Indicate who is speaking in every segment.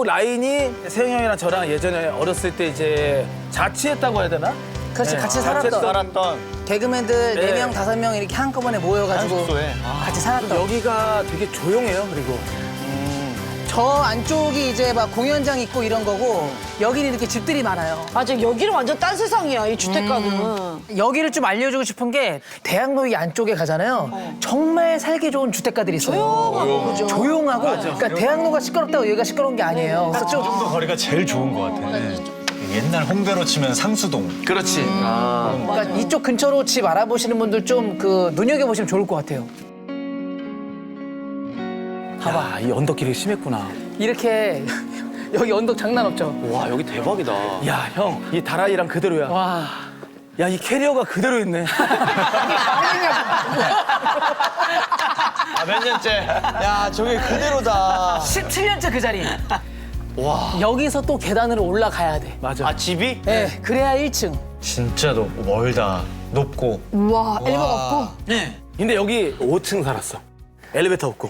Speaker 1: 라인이 세영 형이랑 저랑 예전에 어렸을 때 이제 자취했다고 해야 되나?
Speaker 2: 그렇지,
Speaker 1: 네.
Speaker 2: 같이 살았던.
Speaker 3: 살았던
Speaker 2: 개그맨들
Speaker 1: 네.
Speaker 2: 4명, 5명 이렇게 한꺼번에 모여가지고
Speaker 3: 숙소에.
Speaker 2: 같이 살았던.
Speaker 1: 여기가 되게 조용해요. 그리고
Speaker 2: 저 안쪽이 이제 막 공연장 있고 이런 거고 여기는 이렇게 집들이 많아요.
Speaker 4: 맞아, 여기는 완전 딴 세상이야, 이 주택가는.
Speaker 2: 여기를 좀 알려주고 싶은 게 대학로 이 안쪽에 가잖아요. 정말 살기 좋은 주택가들이 있어요.
Speaker 4: 조용하고, 그죠?
Speaker 2: 조용하고. 그러니까 대학로가 시끄럽다고 여기가 시끄러운 게 아니에요. 그래서 좀
Speaker 5: 정도 거리가 제일 좋은 것 같아. 옛날 홍대로 치면 상수동.
Speaker 1: 그렇지.
Speaker 2: 그러니까 이쪽 근처로 집 알아보시는 분들 좀 그 눈여겨보시면 좋을 것 같아요.
Speaker 1: 봐봐, 이 언덕길이 심했구나.
Speaker 2: 이렇게 여기 언덕 장난 없죠?
Speaker 3: 와 여기 대박이다.
Speaker 1: 야, 형, 이 다라이랑 그대로야.
Speaker 2: 와.
Speaker 1: 야, 이 캐리어가 그대로 있네.
Speaker 3: 몇 년째? 야 저게 그대로다.
Speaker 2: 17년째 그 자리. 와. 여기서 또 계단으로 올라가야 돼.
Speaker 1: 맞아.
Speaker 3: 아 집이?
Speaker 2: 네, 그래야 1층.
Speaker 5: 진짜 멀다. 높고.
Speaker 4: 우와, 엘리베이터 없고.
Speaker 1: 네. 근데 여기 5층 살았어. 엘리베이터 없고.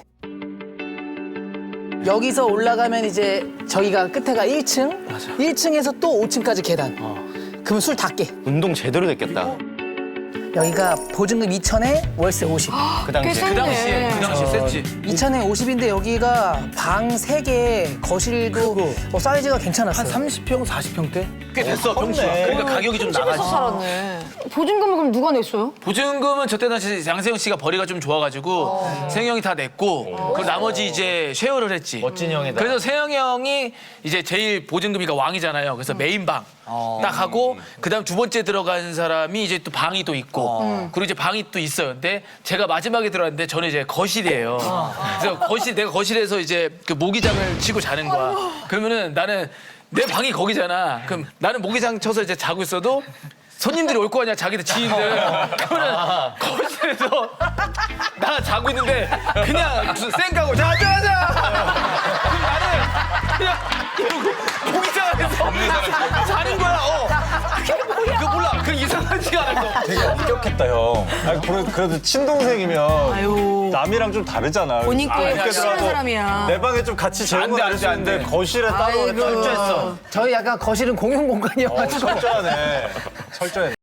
Speaker 2: 여기서 올라가면 이제 저기가 끝에가 1층.
Speaker 1: 맞아.
Speaker 2: 1층에서 또 5층까지 계단. 그러면 술 다 깨.
Speaker 3: 운동 제대로 됐겠다.
Speaker 2: 여기가 보증금 2천에 월세 50.
Speaker 3: 그 당시에.
Speaker 4: 꽤 센데.
Speaker 1: 그 당시에 셌지.
Speaker 2: 2천에 50인데 여기가 방 3개, 거실도
Speaker 1: 크고.
Speaker 2: 사이즈가
Speaker 1: 한
Speaker 2: 괜찮았어요.
Speaker 1: 30평, 40평대? 꽤 됐어,
Speaker 3: 컸네.
Speaker 1: 평수가. 그러니까 가격이 좀
Speaker 4: 집에서
Speaker 1: 나가지.
Speaker 4: 살았네. 보증금을 그럼 누가 냈어요?
Speaker 1: 보증금은 저때 당시 양세형 씨가 벌이가 좀 좋아가지고 세영 형이 다 냈고 그 나머지 이제 쉐어를 했지.
Speaker 3: 멋진 형이다.
Speaker 1: 그래서 세영 형이 이제 제일 보증금이가 왕이잖아요. 그래서 메인 방 딱 하고 그다음 두 번째 들어간 사람이 이제 또 방이 또 있고 그리고 이제 방이 또 있어요. 근데 제가 마지막에 들어갔는데 저는 이제 거실이에요. 그래서 내가 거실에서 이제 그 모기장을 치고 자는 거야. 그러면은 나는 내 방이 거기잖아. 그럼 나는 모기장 쳐서 이제 자고 있어도 손님들이 올 거 아니야, 자기들 지인들. 그러면 거실에서 나 자고 있는데 그냥 무슨 쌩까고 자자자. 그럼 나는 그냥 이러고 모기장 안에서 자는 거야. 그거 몰라. 그 이상하지가 않아.
Speaker 5: 되게 엄격했다, 형. 아니, 그래도 친동생이면 남이랑 좀 다르잖아.
Speaker 4: 본인 게
Speaker 5: 그렇게
Speaker 4: 확실한
Speaker 5: 들어가도
Speaker 4: 사람이야.
Speaker 5: 내 방에 좀 같이 재우고
Speaker 1: 안 돼, 안
Speaker 5: 다닐
Speaker 1: 돼,
Speaker 5: 수
Speaker 1: 안
Speaker 5: 있는데
Speaker 1: 돼.
Speaker 5: 거실에 따로 철저했어.
Speaker 2: 저희 약간 거실은 공용 공간이어가지고.
Speaker 5: 철저하네. 철저해.